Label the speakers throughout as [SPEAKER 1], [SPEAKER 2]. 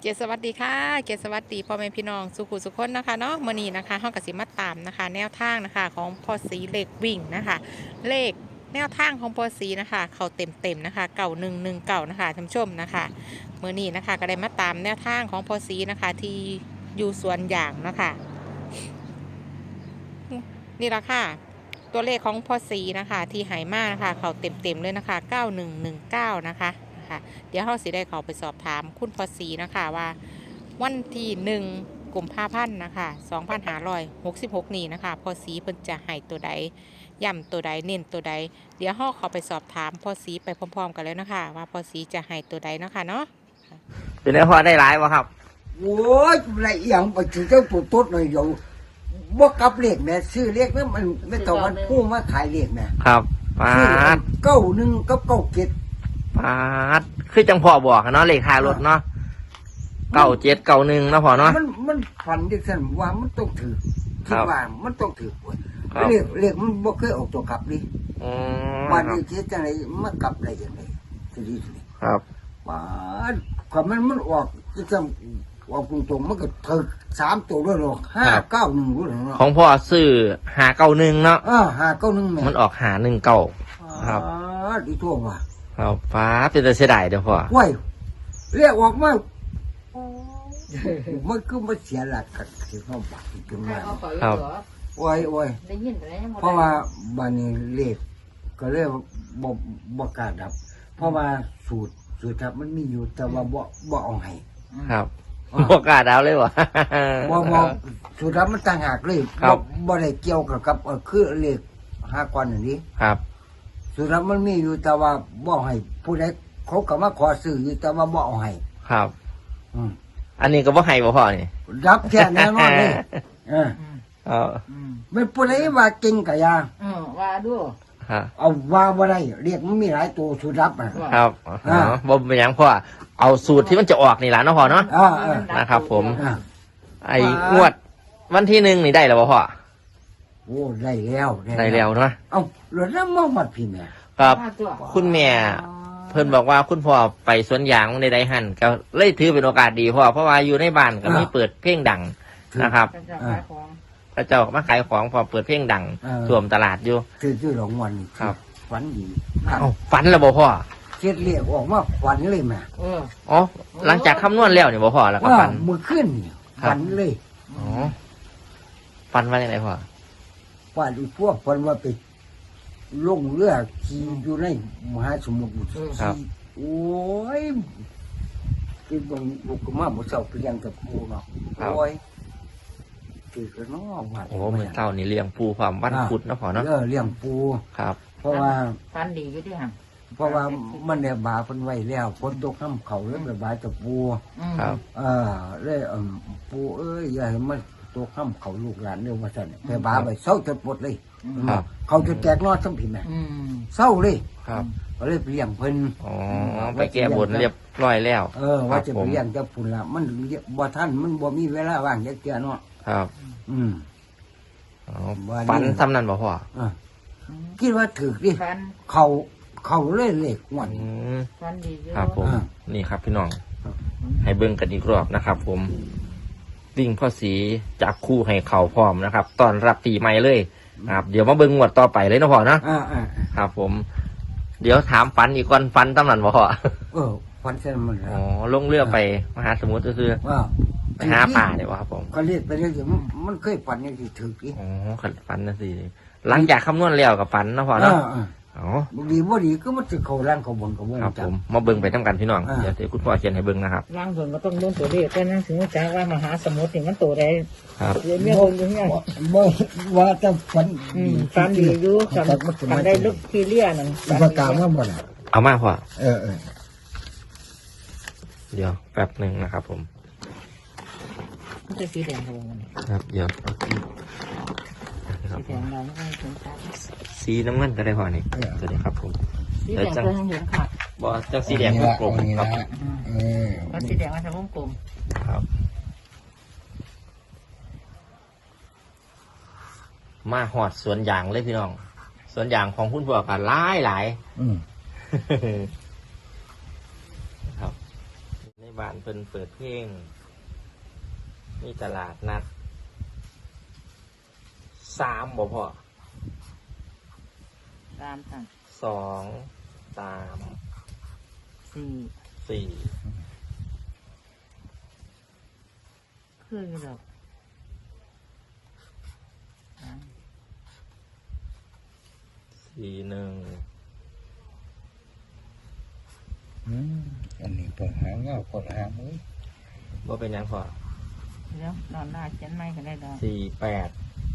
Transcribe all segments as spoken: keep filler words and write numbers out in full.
[SPEAKER 1] เกียรติสวัสดีค่ะเกียรติสวัสดีพ่อแม่พี่น้องสุขุสุขคนนะคะเนาะมื้อนี้นะคะเฮาก็สิมาตามนะคะแนวทางนะคะของพ่อสีเลขวิ่งนะคะเลขแนวทางของพ่อสีนะคะเขาเต็มเต็มนะคะเก่าหนึ่งหนึ่งเก่านะคะท่านผู้ชมนะคะมื้อนี้นะคะก็ได้มาตามแนวทางของพ่อสีนะคะที่อยู่สวนยางนะคะนี่ละค่ะตัวเลขของพ่อสีนะคะที่หายมากนะคะเขาเต็มเต็มเลยนะคะเก้าหนึ่งหนึ่งเก้านะคะเดี๋ยวเราสิได้เขาไปสอบถามคุณพอสีนะคะว่าวันที่หนึ่งกลุ่มผ้าพันธ์นะคะสองพันห้าร้อยหกสิบหกนี่นะคะพอสีเพิ่นจะให้ตัวใดย่ำตัวใดเน้นตัวใดเดี๋ยวเราเขาไปสอบถามพอสีไปพร้อมๆกันแล้วนะคะว่าพอสีจะให้ตัวใดเนาะค่ะเนาะ
[SPEAKER 2] เป็นไงพอได้หลายวะครับ
[SPEAKER 3] โอ้ยไรอย่างไปถึงเจ้าตัวต้นหน่อยอยู่บ่กลับเลขแม่ซื้อเลขนั้นมันไม่ต้องวันผู้มาขายเลขแม่
[SPEAKER 2] ครับปาด
[SPEAKER 3] เก้าหนึ่งกับเก้าเจ็ด
[SPEAKER 2] ปาดคือจังพอบอกเนาะเลขท้ายรถเนาะเก้าเจ็ดเก้าหนึ่งนะพอเนาะ
[SPEAKER 3] มันมันฝันดิฉันว่ามันต้องถือคิดว่ามันต้องถือเลขเลขมันบ่เคยออกตัวกลับดิวันนี้คิดจังไรมันกลับอะไรจังไรสิดีสิ
[SPEAKER 2] ครับ
[SPEAKER 3] ปาดความมันมันออกจังออกตรงๆมันก็ถือสามตัวด้วยหรอกห้าเก้าหนึ่งด้วยหรอก
[SPEAKER 2] ของพ่อซื้อหาเก้าหนึ่งเนาะ
[SPEAKER 3] อ่าหาเก้าหนึ่งแม่
[SPEAKER 2] มันออกหาหนึ่งเก้าครับ
[SPEAKER 3] ดีทั่วว่ะ
[SPEAKER 2] ครับฟ้าเป็นแต่เสียดายเดี๋ยวพ่อ
[SPEAKER 3] ว้ยเรียกออกมามันคือมันเสียหลักกันที่เขาบอกจนมา
[SPEAKER 2] ครับ
[SPEAKER 3] โอ้ยโอ้ยเพราะว่าบานี้เลขก็เรียกบ่บ่กล้าดับเพราะว่าสูตรสูตรทับมันมีอยู่แต่ว่าบ่บ่เอาให้
[SPEAKER 2] ครับบ่กล้าดาวเลยวะ
[SPEAKER 3] บ่บ่สูตรทับมันต่างหากเลยบ่บ่ได้เกี่ยวกับกับคือเลขห้าก้อนอย่างนี้
[SPEAKER 2] ครับ
[SPEAKER 3] สุดท้ายมันมีอยู่แต่ว่าบ่ให้ผู้ใดเขาก็มาขอซื้ออยู่แต่ว่าบ่เอาให้
[SPEAKER 2] ครับอืมอันนี้ก็บ่ให้บ่พอนี่
[SPEAKER 3] รับแค่แน่นอนเลยเออ
[SPEAKER 2] เออ
[SPEAKER 3] ไม่ผู้ใดว่าเก่งก็อย่า
[SPEAKER 1] เออว่าดู
[SPEAKER 3] ฮะเอาว่าบ่ได้เรียกมันมีหลายตัวสุดรับอ่ะ
[SPEAKER 2] ครับอ๋อบ่เป็นหยังพ่อเอาสูตรที่มันจะออกนี่ล่ะเนาะพ่อเนาะนะครับผมไอ้งวดวันที่หนึ่งนี่ได้แล้วบ่พ่อ
[SPEAKER 3] โอ้ได้แล้ว
[SPEAKER 2] ได้แล้วเนาะ
[SPEAKER 3] เอ้าหลุดแล้วมาหมดพี่แม่
[SPEAKER 2] ครับคุณแม่เพิ่นบอกว่าคุณพ่อไปสวนยางในไดหันก็เลยถือเป็นโอกาสดีพ่อเพราะว่าอยู่ในบ้านก็มีเปิดเพลงดังนะครับพระเจ้ามาขายของพอเปิดเพลงดังสวมตลาดอยู่
[SPEAKER 3] คือชื่อหลงวัน
[SPEAKER 2] ครับ
[SPEAKER 3] ฝันดี
[SPEAKER 2] ฝันแล้วบ่พ่อ
[SPEAKER 3] เช็ดเรียกออกมาฝันเลยแม่
[SPEAKER 2] อ๋อหลังจากคำนวณแล้วเนี่ยบ่พ่อแล้วก็ฝัน
[SPEAKER 3] มือขึ้นฝันเลย
[SPEAKER 2] อ๋อฝันว่าอย่างไรพ่อ
[SPEAKER 3] ว่าดูพวกคนว่าไปลงเรือขี่อยู่ในมหาสมุทร
[SPEAKER 2] ครับ
[SPEAKER 3] โอ้ยคือบางบุกมาหมดเสาเปลี่ยนกับปูเนาะโอ้ยคือกระน้อว่า
[SPEAKER 2] โอ้เหมือนเต่านี่เลี้ยงปูความวันพุธนะพ่อเนาะ
[SPEAKER 3] เออเลี้ยงปู
[SPEAKER 2] ครับ
[SPEAKER 3] เพราะว่า
[SPEAKER 1] ฟันดีอยู่ที่ห่าง
[SPEAKER 3] เพราะว่ามันเนี่ยบาเพิ่นไว้แล้วฝนตกน้ำเขาเรื่องระบายกับปู
[SPEAKER 2] ครับ
[SPEAKER 3] เออเลยเออปูเอ้ยอย่าให้มันตัวข้ามเขาลูกหลานเรื่องว่าสั่นแต่บาไปเศร้าจนปวดเลยเขาจะแตกนอดทั้งผิดไหมเศร้าเลย
[SPEAKER 2] ครับ
[SPEAKER 3] ก็เลยเลี้ยงเพิ่น
[SPEAKER 2] อ๋อไปแก้บนเรียบร้อยแล้ว
[SPEAKER 3] เออว่าจะไปเลี้ยงจะพุ่นละมันบ่ท่านมันบ่มีเวลาว่างจะเกี่ยเนาะ
[SPEAKER 2] ครับ
[SPEAKER 3] อืม
[SPEAKER 2] ฝันซ้ำนั่นบ่พ่อ
[SPEAKER 3] คิดว่าถือดิเขาเขาเล่เล็กหวน
[SPEAKER 2] ครับผมนี่ครับพี่น้องให้เบิ่งกันอีกรอบนะครับผมวิ่งพ่อสีจากคู่ให้เข่าพร้อมนะครับตอนรับปีใหม่เลยครับเดี๋ยวมาเบิ่งงวดต่อไปเลยนะพ่อนะครับผมเดี๋ยวถามฟันอีกคนฟันตั้งนั้นบ่พ่อ
[SPEAKER 3] เออฟันเส้นมัน
[SPEAKER 2] อ๋อลงเรือไปมหาสมุทรก็คือไปหาป่าเนี่ยวะครับผม
[SPEAKER 3] ก็เรียกไปเรื่อยๆมันเคยฟันยังสิถืออี
[SPEAKER 2] อ๋อขัดฟันนะสิหลังจากคำนวณแล้วกับฟันนะพ่อเนาะอ๋อ
[SPEAKER 3] ดีบ่ดีก็มันจะเข้าร่างเข้าบนเข้าบน
[SPEAKER 2] ครับผมมาเบิ่งไปทั้งกันพี่น้องเดี๋ยวเดี๋ยวคุณพ่อเขียนให้เบิ่งนะครับ
[SPEAKER 1] ร่างบนก็ต้องเบิ่งตัวเลขแต่นั่นถึงจะว่ามหาสมุทรถึงมันตัวใด
[SPEAKER 2] ครับ
[SPEAKER 1] เรื่องคนอย่างเงี้ย
[SPEAKER 3] บ่ว่าจะฟัน
[SPEAKER 1] ฟันดีอยู่ฟันได้ลึกทีเลี่ยนั่น
[SPEAKER 3] ประกาศว่าบ่ล่ะ
[SPEAKER 2] เอามาพ่อ
[SPEAKER 3] เออเออ
[SPEAKER 2] เดี๋ยวแป๊บหนึ่งนะครับผม
[SPEAKER 1] มันจะสีแดงครับผม
[SPEAKER 2] ครับเดี๋ยวสีน้ำเงินก็ได้พอนี่สวัสดีครับผม
[SPEAKER 1] สีแดงเพื่อให้เห็นค่ะ
[SPEAKER 2] บอจากสีแดงวงกลมครับ
[SPEAKER 1] แล้วสีแดงมันจะวงกลม
[SPEAKER 2] ครับมาหอดสวนยางเลยพี่น้องสวนยางของคุณพ่อกันหลายหลายครับในบ้านเพิ่นเปิดเพลงมีตลาดนัดสามบ่พอ
[SPEAKER 4] ตามค่ะ
[SPEAKER 2] สองสาม
[SPEAKER 4] สี่
[SPEAKER 2] สี่
[SPEAKER 4] คืออยู่ดอกอ่า
[SPEAKER 2] สี่หนึ่ง
[SPEAKER 3] อืมอันนี้เปิดหางเงาเปิดหางมือ
[SPEAKER 2] ว่าเป็นหยังพอ
[SPEAKER 4] เดี๋ยวนอนหน้าเขียนไม่กันได้ดอก
[SPEAKER 2] สี่แปด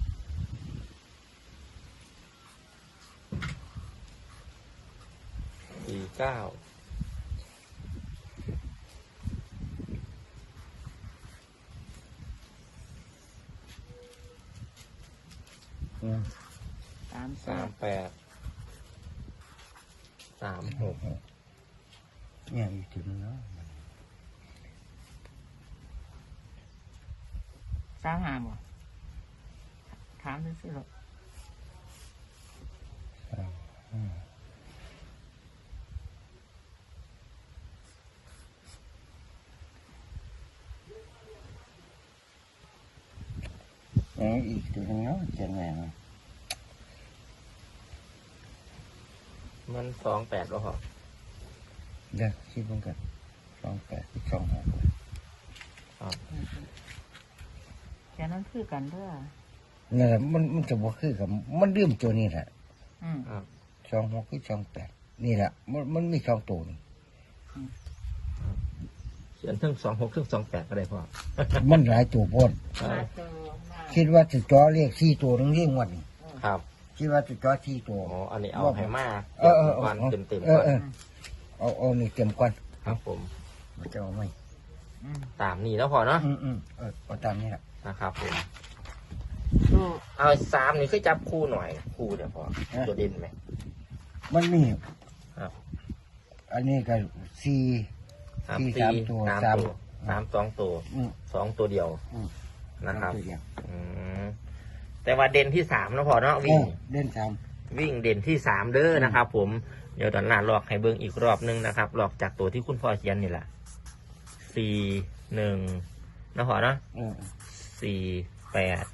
[SPEAKER 2] สี่เก้า
[SPEAKER 3] อืม
[SPEAKER 4] สามแป
[SPEAKER 2] สาม
[SPEAKER 4] ด
[SPEAKER 2] แปดสามหก
[SPEAKER 3] เนี่ยอีกถึงเนาะ
[SPEAKER 4] สามห้าบ่ถามซื้อๆหรอก
[SPEAKER 3] อืมเอาอีกถึงเนาะเขียนไงเนาะ
[SPEAKER 2] มันสองแปดแล้วเหรอ
[SPEAKER 3] เดี๋ยวคิดเบิ่งกันสองแปดสองหก
[SPEAKER 2] ครับ
[SPEAKER 4] เขียนนั้นคือกันเด้อ
[SPEAKER 3] นั่นแหละมันมันจะบ่คือกับมันลืมตัวนี้แหละ
[SPEAKER 4] อืม
[SPEAKER 2] ครับ
[SPEAKER 3] สองหกคือสองแปดนี่แหละมันมันมีสองตัวนี่
[SPEAKER 2] เขียนทั้งสองหกทั้งสองแปดก็ได้พอ
[SPEAKER 3] มันหลายตัวโพด
[SPEAKER 4] มาเจอมา
[SPEAKER 3] คิดว่าจะจ่อเลขสี่ตัวนึงเรียงวันนี้
[SPEAKER 2] ครับ
[SPEAKER 3] คิดว่าจะจ่อสี่ตัว
[SPEAKER 2] อ๋ออันนี้เอาให้มา
[SPEAKER 3] เออเออเออ
[SPEAKER 2] วันเต็มเต็ม
[SPEAKER 3] เอ
[SPEAKER 2] ก่
[SPEAKER 3] อ
[SPEAKER 2] อน
[SPEAKER 3] เออเอาเอานี่เต็มก่อน
[SPEAKER 2] ครับผม
[SPEAKER 3] มันจะเอาไหม
[SPEAKER 4] อืม
[SPEAKER 2] ตามนี้แล้วพอเนาะ
[SPEAKER 3] อืมอืมเออเอาตามนี้แหละ
[SPEAKER 2] นะครับผม
[SPEAKER 4] ดู
[SPEAKER 2] เอาสามนี่คือจับคู่หน่อยคู่เดี๋ยวพอตัวเด่นไหม
[SPEAKER 3] มันมี
[SPEAKER 2] ครับ
[SPEAKER 3] อันนี้ก็สี่
[SPEAKER 2] สาม
[SPEAKER 3] สี่
[SPEAKER 2] สี่
[SPEAKER 3] สามตัว
[SPEAKER 2] สาม
[SPEAKER 3] สาม
[SPEAKER 2] ตัวสามสองตัว
[SPEAKER 3] อืม
[SPEAKER 2] สองตัวเดียว
[SPEAKER 3] อืม
[SPEAKER 2] นะครับ
[SPEAKER 3] ตัวเดียว
[SPEAKER 2] อืมแต่ว่าเด่นที่สามแล้วพอเนาะ
[SPEAKER 3] เอ
[SPEAKER 2] วิ่ง
[SPEAKER 3] อเล่นสาม
[SPEAKER 2] วิ่งเด่นที่สามเด้อนะครับ ผมเดี๋ยวตอนหน้าลอกให้เบิ้งอีกรอบนึงนะครับลอกจากตัวที่คุณพ่อเขียนนี่แหละสี่หนึ่งนะพอเนาะ
[SPEAKER 3] เออ
[SPEAKER 2] สี่แปด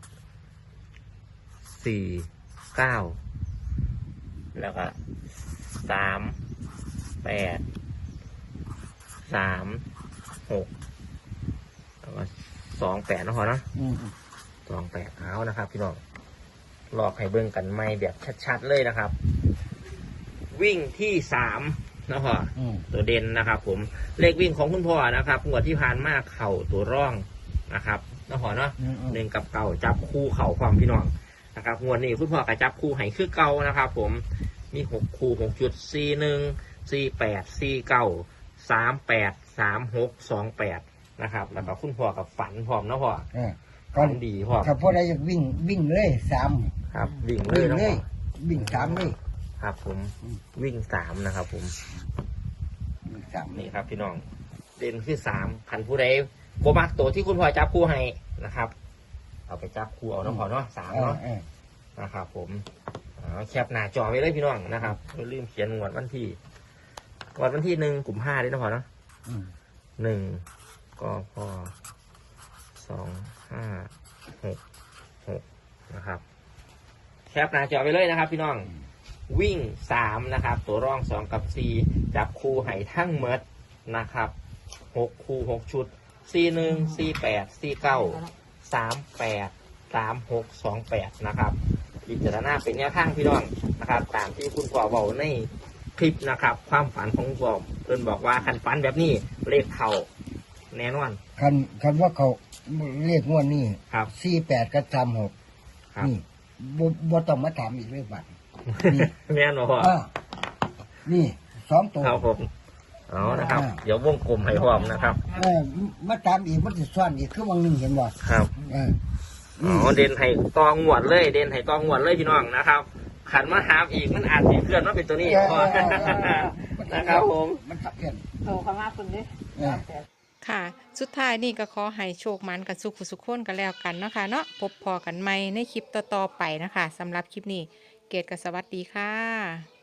[SPEAKER 2] สี่เก้าแล้วก็สามแปดสามหกแล้วก็สองแปดนะพอเนาะ
[SPEAKER 3] อืมอืม
[SPEAKER 2] สองแปดเอานะครับพี่น้องลอกให้เบิ่งกันไม่แบบชัดๆเลยนะครับ วิ่งที่สามนะพ่อ
[SPEAKER 3] อืม
[SPEAKER 2] ตัวเด่นนะครับ ผมเลขวิ่งของคุณพ่อนะครับงวดที่ผ่านมาเข่าตัวร่องนะครับนะพ่อเนาะ
[SPEAKER 3] อืมอืม
[SPEAKER 2] หนึ่งกับเก่าจับคู่เข่าความพี่น้องนะครับงวดนี้คุณพ่อก็จับคู่ให้คือเก่านะครับ ผมมีหกคู่หกจุดสี่หนึ่งสี่แปดสี่เก้าสามแปดสามหกสองแปดนะครับแล้วก็คุณพ่อกับฝันพร้อมนะพ่อ
[SPEAKER 3] เออ
[SPEAKER 2] ฝันดีพ่อ
[SPEAKER 3] ถ้าพวกใดอยากวิ่งวิ่งเลยสาม
[SPEAKER 2] ครับวิ่งเล
[SPEAKER 3] วิ่
[SPEAKER 2] ย
[SPEAKER 3] ง
[SPEAKER 2] นะ
[SPEAKER 3] เล
[SPEAKER 2] พ่
[SPEAKER 3] ย
[SPEAKER 2] อ
[SPEAKER 3] วิ่งสามเลย
[SPEAKER 2] ครับ ผม
[SPEAKER 3] อืม
[SPEAKER 2] วิ่งสามนะครับ ผม
[SPEAKER 3] วิ่งสาม
[SPEAKER 2] นี่ครับ พี่น้องเด่นคือสามขันผู้ใดโบมักตัวที่คุณพ่อจับคู่ให้นะครับ เอาไปจับคู่เอาน้องพ่อเนาะสาม
[SPEAKER 3] เออ
[SPEAKER 2] เนาะ
[SPEAKER 3] เออ
[SPEAKER 2] นะครับ ผมเอาแคปหน้าจอไว้เลยพี่น้องนะครับอย่าลืมเขียนงวดวันที่งวดวันที่หนึ่งกลุ่มห้าด้วยนะพ่อเนาะ
[SPEAKER 3] อืม
[SPEAKER 2] หนึ่งก็พอสองห้าหกหกนะครับ แคปหน้าจอไปเลยนะครับ พี่น้อง วิ่งสามนะครับ ตัวร่องสองกับสี่จับคู่ไห่ทั้งเมดนะครับหกคู่หกชุดสี่หนึ่งสี่แปดสี่เก้าสามแปดสามหกสองแปดนะครับพิจารณาเป็นแนวทางพี่น้องนะครับ ตามที่คุณพ่อบอกในคลิปนะครับ ความฝันของคุณพ่อเพิ่นบอกว่าคันฝันแบบนี้เลขเข่าแน่นอน
[SPEAKER 3] คันคันว่าเขาเรียกงวดนี่
[SPEAKER 2] ครับ
[SPEAKER 3] สี่แปดกับสามหก
[SPEAKER 2] ครับ
[SPEAKER 3] นี่บ่บ่ต้องมาถามอีกเลยบัดนี่
[SPEAKER 2] แม่นบ่พ่อ
[SPEAKER 3] อ่านี่สองตัว
[SPEAKER 2] ครับผมเอานะครับ
[SPEAKER 3] อ่า
[SPEAKER 2] เดี๋ยววงกลมให้พร้อมนะครับ
[SPEAKER 3] เออมาตามอีกมันจะซ่อนอีกคือวังหนึงเห็นบ่
[SPEAKER 2] ครับ
[SPEAKER 3] เออ
[SPEAKER 2] อ๋อเด่นให้ตองหวดเลย เด่นให้ตองหวดเลยพี่น้องนะครับ ขันมาถามอีกมันอาจจะเคลื่อนว่าเป็นตัวนี้
[SPEAKER 3] เออ
[SPEAKER 2] พอ
[SPEAKER 3] เออเออเออมัน
[SPEAKER 2] นะครับผม
[SPEAKER 3] มันขับเพี้ยน
[SPEAKER 4] โตเข้ามาคุณดิ
[SPEAKER 3] เออ
[SPEAKER 1] ค่ะ สุดท้ายนี่ก็ขอให้โชคมันกันสุขสุขคนกันแล้วกันเนาะค่ะเนาะพบพอกันใหม่ในคลิปต่อๆไปนะคะสำหรับคลิปนี้เกดกับสวัสดีค่ะ